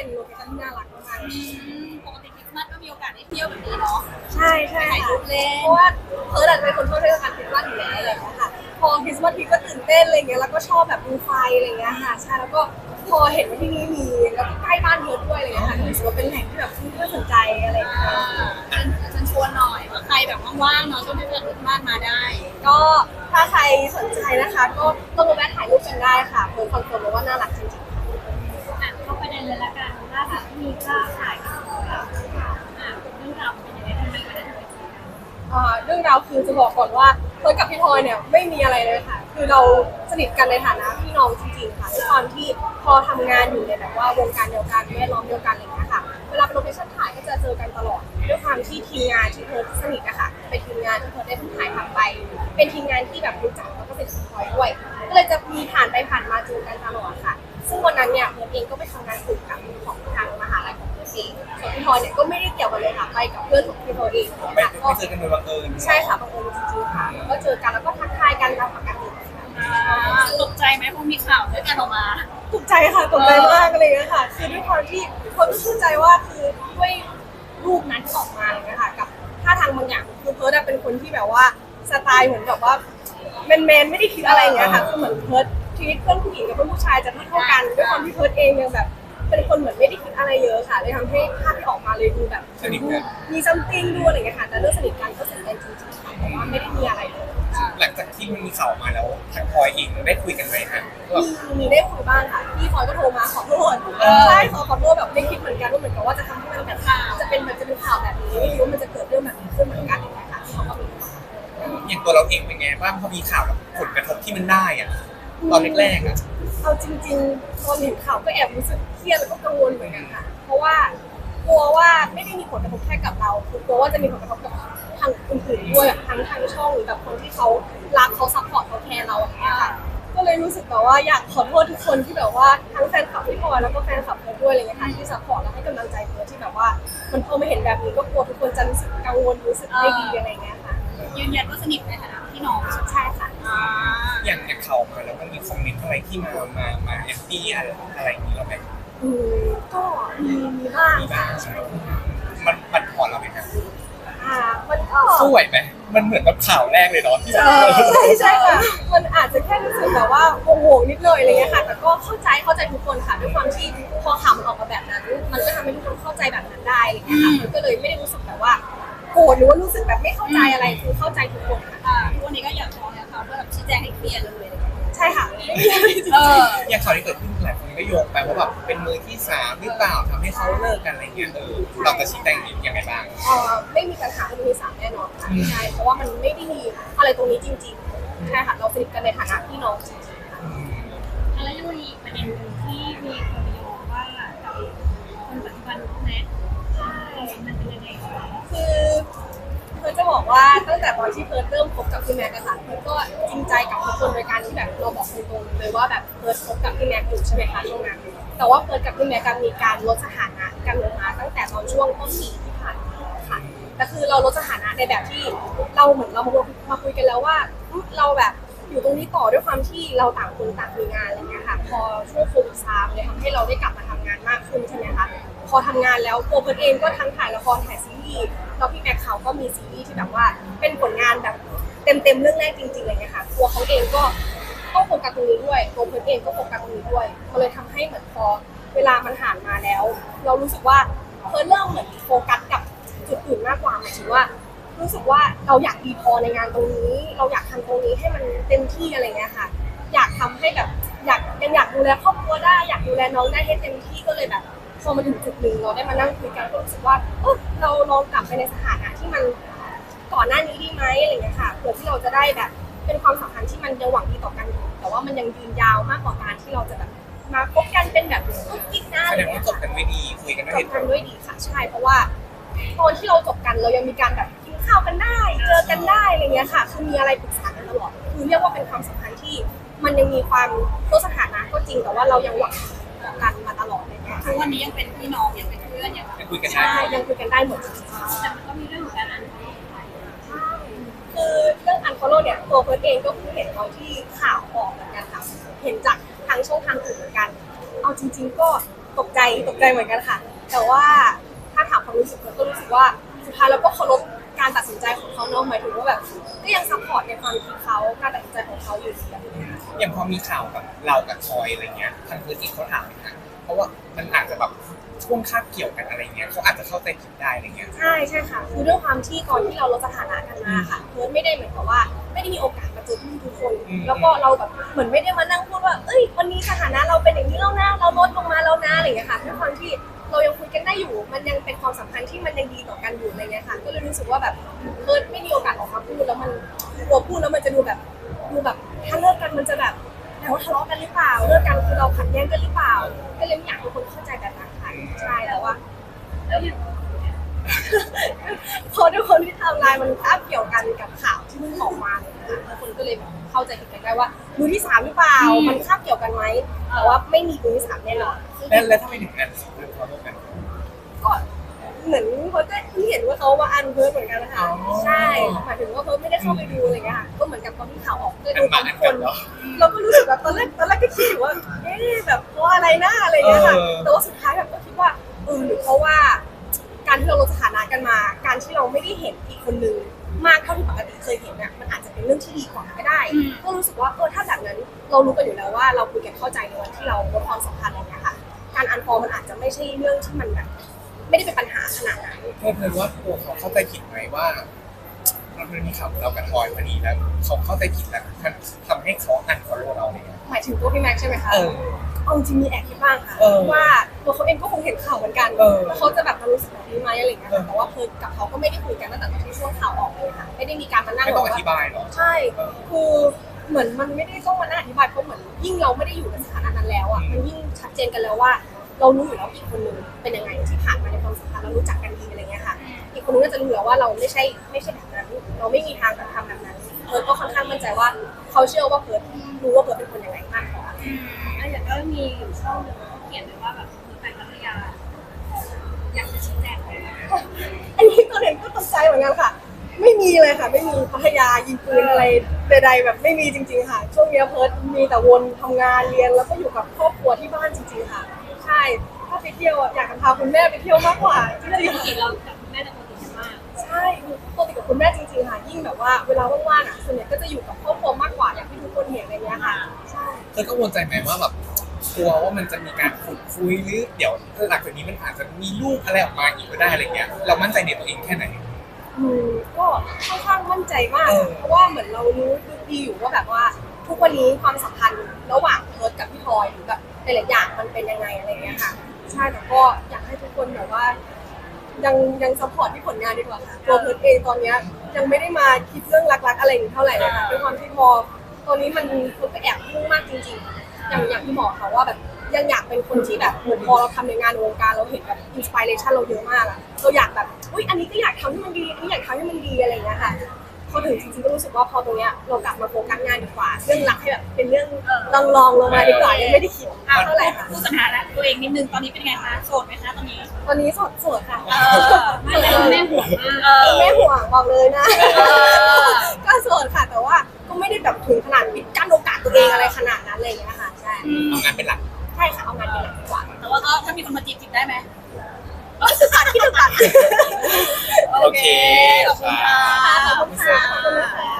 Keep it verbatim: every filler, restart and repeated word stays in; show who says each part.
Speaker 1: เป็นโลเคชั่นที่น่ารักมาก
Speaker 2: ปกติคริสต์มาสก็มีโอกาสได้เที่ยวแบบนี้เนาะ
Speaker 1: ใช่ใช่
Speaker 2: ถ่ายรูปเล่น
Speaker 1: เพราะว่าเพิร์ดอาจจะเป็นคนชอบเทศกาลคริสต์มาสอยู่แล้วอะไรอย่างเงี้ยค่ะพอคริสต์มาสทีก็ตื่นเต้นอะไรเงี้ยแล้วก็ชอบแบบดูไฟอะไรเงี้ยค่ะใช่แล้วก็พอเห็นว่าที่นี่มีแล้วก็ใกล้บ้านเพิร์ดด้วยอะไรเงี้ยค่ะรู้สึกว่าเป็นแหล่งที่แบบน่าสนใจอะไรอย่างเงี้ย
Speaker 2: ฉันชวนหน่อยว่าใครแบบว่างๆเนาะช่วงเทศกาลคริสต์มาสมาได้
Speaker 1: ก็ถ้าใครสนใจนะคะก็ต้องมาแวะถ่ายรูปกันได้ค่ะเพิร์ดคอนเฟิร์มว่าน่ารักจริงๆ
Speaker 2: อ่ะเข้าประเด็นเลยละกันล่าสุดมีภาพถ่ายกับเราอ่ะเรื่องราวเป็นยังไงทำไมวันนั้นถึงไปเจอกัน
Speaker 1: อ่าเรื่องราวคือจะบอกก่อนว่าเพิร์ดกับพี่ทอยเนี่ยไม่มีอะไรเลยค่ะคือเราสนิทกันในฐานะพี่น้องจริงๆค่ะด้วยความที่พอทำงานอยู่ในแบบว่าวงการเดียวกันแวดล้อมเดียวกันอะไรอย่างเงี้ยค่ะเวลาไปโลเคชั่นถ่ายก็จะเจอกันตลอดด้วยความที่ทีมงานที่เพิร์ดสนิทอะค่ะเป็นทีมงานที่เพิร์ดได้ถ่ายทำไปเป็นทีมงานที่แบบรู้จักแล้วก็เป็นสปอยด้วยก็เลยจะมีผ่านไปผ่านมาเจอกันตลอดค่ะซึ่งวันนั้นเนี่ยเพิร์ดเองก็ไปทำงานกลุ่มกับของทางมหาลัยของเพิร์ดเองส่วนพี่ทอยเนี่ยก็ไม่ได้เกี่ยวกันเลยค่ะไปกับเพื่อนของพี่ทอยเอง
Speaker 3: ไม่
Speaker 1: ค่ะ
Speaker 3: ไม่เจอกันโดยบังเอิญ
Speaker 1: ใช่ค่ะบังเอิญจริงๆค่ะก็เจอกันแล้วก็ทักทายกันตามปกติ
Speaker 2: ตกใจไหมพอมีข่าวด้วยกันออกมา
Speaker 1: ตกใจค่ะตกใจมากเลยนะคะคือด้วยความที่เขาก็ชื่นใจว่าคือด้วยรูปนั้นที่ออกมาเลยนะคะกับท่าทางบางอย่างคือเพิร์ดเป็นคนที่แบบว่าสไตล์เหมือนแบบว่าแมนแมนไม่ได้คิดอะไรอย่างเงี้ยค่ะคือเหมือนเพิร์ดชีวิตเพื่อนผู้หญิงกับเพื่อนผู้ชายจะเท่ากันด้วยความที่เพิร์ดเองยังแบบเป็นคนเหมือนไม่ได้คิดอะไรเยอะค่ะเลยทำให้ภาพที่ออกมาเลยดูแบบมีซัมติงดูอะไรอย่างเงี้ยค่ะแต่เรื่องสนิทกันก็สนิทกันจริงๆค่ะแต่ว่าไม่ได้มีอะไรเลย
Speaker 3: หลังจากที่มันมีข่าวมาแล้วทางพลอยเองได้คุยกันไหมฮะ
Speaker 1: มีมีได้คุยบ้างค่ะพี่พลอยก็โทรมาขอโทษใช่ขอขอโทษแบบไม่คิดเหมือนกันว่าเหมือนกับว่าจะทำให้มันแบบจะเป็นแบบจะเป็นข่าวแบบนี้ไม่รู้ว่ามันจะเกิดเรื่องแบบนี้ขึ้นเหมือนกันอย่างเงี้ยค่ะที่เขาก็มี
Speaker 3: อย่างตัวเราเองเป็นไงบ้างพอมีข่าวกับผลกระทบที่มันได้อะตอนแรกๆอะ
Speaker 1: เอาจริงๆตอนเห็นข่าวก็แอบรู้สึกเครียดแล้วก็กังวลเหมือนกันค่ะเพราะว่ากลัวว่าไม่ได้มีผลกระทบแค่กับเราคือกลัวว่าจะมีผลกระทบกับทางอื่นๆด้วยทั้งทางช่องหรือแบบคนที่เขารักเขาซัพพอร์ตเขาแคร์เราอย่างเงี้ยค่ะก็เลยรู้สึกแบบว่าอยากขอโทษทุกคนที่แบบว่าทั้งแฟนคลับพี่พลอยแล้วก็แฟนคลับเพิร์ดด้วยอะไรเงี้ยค่ะที่ซัพพอร์ตและให้กำลังใจเพิร์ดที่แบบว่ามันพอไม่เห็นแบบนี้ก็กลัวทุกคนจะรู้สึกกังวลรู้สึกไม่ดีอะไรเงี้ยค่ะ
Speaker 2: ยืนยันว่าสนิทในฐานะพี่น้อง
Speaker 1: ใช่ค่ะ
Speaker 3: อย่างอย่างข่าวมาแล้วมันมีคอมเมนต์อะไรที่มามามาแอนตี้อะไรอะไรอย่างนี้เราไหม
Speaker 1: อืมก็มีมีบ้างค่ะ
Speaker 3: มันมันผ่อนเราไหมครับ
Speaker 1: อ่ามันก็
Speaker 3: สู้ไหวไหมมันเหมือนกับข่าวแรกเลยเนาะ
Speaker 1: ใช่ใช่ค่ะมันอาจจะแค่รู้สึกแบบว่าโงงๆนิดเลยอะไรเงี้ยค่ะแต่ก็เข้าใจเข้าใจทุกคนค่ะด้วยความที่พอข่าวมันออกมาแบบนั้นมันก็ทำให้ทุกคนเข้าใจแบบนั้นได้อะไรเงี้ยค่ะมันก็เลยไม่ได้รู้สึกแบบว่าโกรธหรือว่ารู้สึกแบบไม่เข้าใจอะไรคือเข้าใจทุกคนค่ะ
Speaker 2: ทุกวันนี้ก็อยากฟ้องเนี่ยค่ะเพื่อแบบชี้แจงให้เคลียร์เลย
Speaker 1: ใช่ค่ะ
Speaker 3: เอออย่างข่าวที่เกิดขึ้นหลายคนก็โยงไปว่าแบบเป็นมือที่สามหรือเปล่าทำให้เขาเลิกกันอะไรเงี้ยเออเราจะชี้แจงยังไงบ้าง
Speaker 1: เออไม่มีปัญหามือที่สามแน่นอนค่ะใช่เพราะว่ามันไม่ได้มีอะไรตรงนี้จริงๆใช่ค่ะเราสนิทกันในฐานะพี่น้องจริงๆค่ะ
Speaker 2: แล้วยังมีประเด็นหนึ่งที่มีคนโยงว่ากับคนปัจจุบันน้องแน็กใช่มันเป็นยังไง
Speaker 1: คือเพิร์ดจะบอกว่าตั้งแต่ตอนที่เพิร์ดเริ่มคบกับพี่แม็กซ์ค่ะเพิร์ดก็จริงใจกับทุกคนโดยการที่แบบเราบอกตรงๆเลยว่าแบบเพิร์ดคบกับพี่แม็กซ์อยู่ใช่ไหมคะช่วงนั้นแต่ว่าเพิร์ดกับพี่แม็กซ์มีการลดสถานะกันลงมาตั้งแต่ตอนช่วงต้นปีที่ผ่านมาค่ะแต่คือเราลดสถานะในแบบที่เราเหมือนเรามามาคุยกันแล้วว่าเราแบบอยู่ตรงนี้ต่อด้วยความที่เราต่างคนต่างมีงานอะไรเงี้ยค่ะพอช่วงโควิดซาเลยทำให้เราได้กลับมาทำงานมากขึ้นใช่ไหมคะพอทำงานแล้วตัวเพิร์ดเองก็ทั้งถ่ายละครถ่ายซีรีส์แล้วพี่แม็กเขาก็มีซีรีส์ที่แบบว่าเป็นผลงานแบบเต็มๆเรื่องแรกจริงๆอะไรเงี้ยค่ะตัวเขาเองก็ต้องโฟกัสตรงนี้ด้วยตัวเพิร์ดเองก็โฟกัสตรงนี้ด้วยมันเลยทำให้เหมือนพอเวลามันผ่านมาแล้ว เรารู้สึกว่าเพิร์ดเริ่มเหมือนโฟกัสกับจุดอื่นมากกว่าหมายถึงว่ารู้สึกว่าเราอยากดีพอในงานตรงนี้เราอยากทำตรงนี้ให้มันเต็มที่อะไรเงี้ยค่ะอยากทำให้แบบอยากยังอยากดูแลครอบครัวได้อยากดูแลน้องได้ให้เต็มที่ก็เลยแบบพอมาถึงจุดหนึ่งเราได้มานั่งคุยกันก็รู้สึกว่าเออเราลองกลับไปในสถานะที่มันก่อนหน้านี้ดีไหมอะไรเงี้ยค่ะเพื่อที่เราจะได้แบบเป็นความสัมพันธ์ที่มันยังหวังดีต่อกันอยู่แต่ว่ามันยังยืนยาวมากกว่าการที่เราจะแบบมาคบกันเป็นแบบกุ๊กกิ๊กนะอะไรเงี้ย
Speaker 3: จบกันด้วยดีคุยกันด้วย
Speaker 1: จบกันด้วยดีค่ะใช่เพราะว่าตอนที่เราจบกันเรายังมีการแบบกินข้าวกันได้เจอกันได้อะไรเงี้ยค่ะคือมีอะไรปรึกษากันตลอดคือเรียกว่าเป็นความสัมพันธ์ที่มันยังมีความลดสถานะก็จริงแต่ว่าเรายังหวังต่อกันมาตลอดเลยค่ะ
Speaker 2: ทุกวันนี้ยังเป็นพี่น้องยังเป็นเพื่อนยัง
Speaker 3: คุยกันได้
Speaker 1: ใช่ยังคุยกันได้หมด
Speaker 2: แต่มันก็มีเรื่องของการอัน
Speaker 1: ใช่คือเรื่องอันฟอลโล่เนี่ยตัวเพิร์ดเองก็เพิ่งเห็นตอนที่ข่าวออกเหมือนกันค่ะเห็นจากทางช่องทางอื่นเหมือนกันเอาจริงๆก็ตกใจตกใจเหมือนกันค่ะ แต่ว่าถ้าถามความรู้สึกเราก็รู้สึกว่าสุดท้ายเราก็เคารพการตัดสินใจของเขาเนาะหมายถึงว่าแบบก็ยังซัพพอร์ตในความคิดเขาการตัดสินใจของเขาอยู่แบบนี้
Speaker 3: อย่างพอมีข่าวกับเรากับทอยอะไรเงี้ยทางพื้นที่เขาถามไหมคะเพราะว่ามันอาจจะแบบช่วงคาบเกี่ยวกันอะไรเงี้ยเขาอาจจะเข้าใจผิดได้อะไรเงี้ย
Speaker 1: ใช่ใช่ค่ะคือด้วยความที่ก่อนที่เราลดสถานะกันมาค่ะเพิร์ดไม่ได้เหมือนกับว่าไม่ได้มีโอกาสมาเจอทุกทุกคน แล้วก็เราแบบเหมือนไม่ได้มานั่งพูดว่าเอ้ยวันนี้สถานะเราเป็นอย่างนี้แล้วนะเราลดลงมาแล้วนะอะไรอย่างเงี้ยค่ะด้วยความที่เรายังคุยกันได้อยู่ มันยังเป็นความสัมพันธ์ที่มันยังดีต่อกันอยู่อะไรเงี้ยค่ะก็เลยรู้สึกว่าแบบเพิร์ดไม่มีโอกาสออกมาพูดแล้วมันกลัวพูดแล้วมันจะดูแบบดูแบบถ้าเลิกกันมันจะแบบแต่ว่าทะเลาะกันหรือเปล่าเลิกกันคือเราขัดแย้งกันหรือเปล่าก็เลยไม่อยากให้คนเข้าใจแบบนั้นค่ะใช่แล้วว่า
Speaker 2: แล้วอย่าง
Speaker 1: เพราะด้วยคนที่ทำลายมันคาบเกี่ยวกันกับข่าวที่มันออกมาเลยนะคะแล้วคนก็เลยแบบเข้าใจผิดกันได้ว่ามือที่สามหรือเปล่า มันคาบเกี่ยวกันไหมแต่ว่าไม่มีมือที่สามแน่นอน
Speaker 3: แล้วแล้วทำไมถึงอันคือเขาร่วมกัน
Speaker 1: ก็เหมือนเพิร์ทก็เพิ่งเห็นว่าเขามาอันเพิร์ทเหมือนกันนะคะ
Speaker 3: อ๋อ
Speaker 1: ใช่หมายถึงว่าเพิร์ทไม่ได้เข้าไปดูอะไรเงี้ยค่ะก็เหมือนกับตอนที่ข่าวออกก็
Speaker 3: อั
Speaker 1: ดู
Speaker 3: น
Speaker 1: กั
Speaker 3: มาน อั
Speaker 1: ทุ
Speaker 3: น
Speaker 1: กคน
Speaker 3: กันเหรอ
Speaker 1: เราก็รู้สึกแบบตอนแรกตอนแรกก็คิดอยู่ว่าเอ๊ะแบบเพราะอะไรนะอะไรเงี้ยค่ะ
Speaker 3: เออ
Speaker 1: แต่ว่าสุดท้ายแบบก็คิดว่าเออหรือเพราะว่าการที่เราลดสถานะกันมา การที่เราไม่ได้เห็นอีกคนนึงมากเท่าที่ปกติเคยเห็นน่ะมันอาจจะเป็นเรื่องที่ดีกว่าก็ได้ ก็รู้สึกว่าเออถ้าแบบนั้นเรารู้กันอยู่แล้วว่าเราคุยกันเข้าใจในวันที่เราลดความสัมพันธ์อะไรเงี้ยค่ะ การอันฟอร์มันอาจจะไม่ใช่เรื่องที่มันแบบไม่ได้เป็นปัญหาขนาดนั้น
Speaker 3: เพื่อนเพื่อนว่าตัวเขาเข้าใจผิดไหมว่าเราเคยมีข่าวเรากับทอยพอดีแล้วเขาเข้าใจผิดแล้วมันทำให้เขาอันฟอลโล่เราเนี่ย
Speaker 1: หมายถึงตัวพี่แม็กซ์ใช่ไหมคะ
Speaker 3: เออ
Speaker 1: เอาจริงมีแอบคิดบ้างค่ะ
Speaker 3: เออ
Speaker 1: ว่าตัวเขาเองก็คงเห็นข่าวเหมือนกัน
Speaker 3: เออ
Speaker 1: ว่าเขาจะแบบมารู้สึกแบบนี้ไหมอะไรเงี้ย
Speaker 3: เออ
Speaker 1: แต่ว่าเพิร์ทกับเขาก็ไม่ได้คุยกันตั้งแต่ตอนที่ช่วงข่าวออกเลยค่ะไม่ได้มีการมานั่ง
Speaker 3: ไม่ต้อง
Speaker 1: บ
Speaker 3: อก
Speaker 1: ว่า
Speaker 3: ธิบายเนาะ
Speaker 1: ใช่คือเหมือนมันไม่ได้ต้องมานั่งอธิบายเพราะเหมือนยิ่งเราไม่ได้อยู่ในสถานะนั้นแล้วอ่ะมันยิ่งชัดเจนกันแล้วว่า เรารู้อยู่แล้วอีกคนนึงเป็นยังไงที่ผ่านมาในความสัมพันธ์เรารู้จักกันดีอะไรเงี้ยค่ะ อีกคนนึงก็จะรู้แล้วว่าเราไม่ใช่ไม่ใช่แบบนั้น เราไม่มีทางจะทำแบบนั้นเพิร์ทก็ค่อนข้างมั่นใจว่าเขาเชื่อว่าเพิร์ทรู้ว่าเพิร์ทเป็นคนยังไงมากกว่า
Speaker 2: อืมแล้วอย่างก็มีอยู่ช่องหนึ่งเขาเขียนไว้ว่าแบบมีไปพัทยาอยากจะชี้แจงไหม
Speaker 1: อันนี้ตอนเห็นก็ตกใจเหมือนกันค่ะ ไม่มีเลยค่ะ ไม่มีพัทยายิงปืนอะไรใดๆแบบไม่มีจริงๆค่ะ ช่วงนี้เพิร์ทมีแต่วนทำงานเรียนแล้วก็อยู่กับครอบครัวที่บ้านจริงๆค่ะ ใช่ถ้าไปเที่ยวอะอยากจะพาคุณแม่ไปเที่ยวมากกว่าที่จะ
Speaker 2: ป
Speaker 1: อยู่
Speaker 2: กติเรากับคุณแม่จะปกติกันมาก
Speaker 1: ใช่ปกติกับคุณแม่จริงๆค่ะ ยิ่งแบบว่าเวลาว่างๆอ่ะส่วนใหญ่ก็จะอยู่กับครอบครัวมากกว่าอย่างที่ทุกคนเห็นอะไรเงี้ยค่ะ ใช่
Speaker 3: เธอกังวลใจไหมว่าแบบกลัวว่ามันจะมีการขุดคุยหรือเดี๋ยวหลังจากนี้มันอาจจะมีลูกอะไรออกมาอีกก็ได้อะไรเงี้ยเรามั่นใจในตัวเองแค่ไหน
Speaker 1: อืมก็ค่อนข้างมั่นใจมาก
Speaker 3: เออ
Speaker 1: เพราะว่าเหมือนเรารู้ดีอยู่ว่าแบบว่าทุกวันนี้ความสัมพันธ์ระหว่างเพิร์ทกับพี่พลอยหรือแบบหลายๆอย่างมันเป็นยังไงอะไรเงี้ยค่ะ ใช่แต่ก็อยากให้ทุกคนแบบว่า ยังยังซัพพอร์ตที่ผลงานดีกว่าค่ะตัวเพิร์ทเองตอนเนี้ยยังไม่ได้มาคิดเรื่องรักๆอะไรอย่างนี้เท่าไหร่เลยค่ะด้วยความที่พอตอนนี้มันมันก็แอบยุ่งมากจริงๆ อย่างอย่างที่บอกค่ะว่าแบบยังอยากเป็นคนที่แบบเหมือนพอเราทำในงานในวงการเราเห็นแบบอินสปิเรชันเราเยอะมากอะเราอยากแบบอุ้ยอันนี้ก็อยากทำให้มันดีอันนี้อยากทำให้มันดีอะไรอย่างเงี้ยค่ะพอถึงจริงๆก็รู้สึกว่าพอตรงเนี้ยเรากลับมาโฟกัสงานดีกว่าเรื่องรักให้แบบเป็นเรื่องลองลองๆลงมาดีกว่ายังไม่ได้คิด
Speaker 2: อ่ะ
Speaker 1: เท่าไหร่ค่ะ
Speaker 2: พูดสถานะตัวเองนิดนึงตอนนี้เป็นไงคะโสดไหมคะตอนนี้
Speaker 1: ตอนนี้โสดโสดค่ะ
Speaker 2: เออไม่แล้วแม่ห่วงมากเออ
Speaker 1: แม่ห่วงบอกเลยนะ
Speaker 2: เออ
Speaker 1: ก็โสดค่ะแต่ว่าก็ไม่ได้แบบถึงขนาดปิดกั้นโอกาสตัวเองอะไรขนาดนั้นเลยนะคะใช่
Speaker 3: เอางานเป็นหลัก
Speaker 1: ใช่ค่ะเอางานเป็นหลักดีกว่า
Speaker 2: แต่ว่าก็ถ้ามีคนมาจีบจีบได้ไหม
Speaker 1: ศึกษาที่ศึกษา
Speaker 3: โอเค
Speaker 2: ขอบคุณค่ะ
Speaker 1: ขอบคุณค่ะขอบคุณค่ะ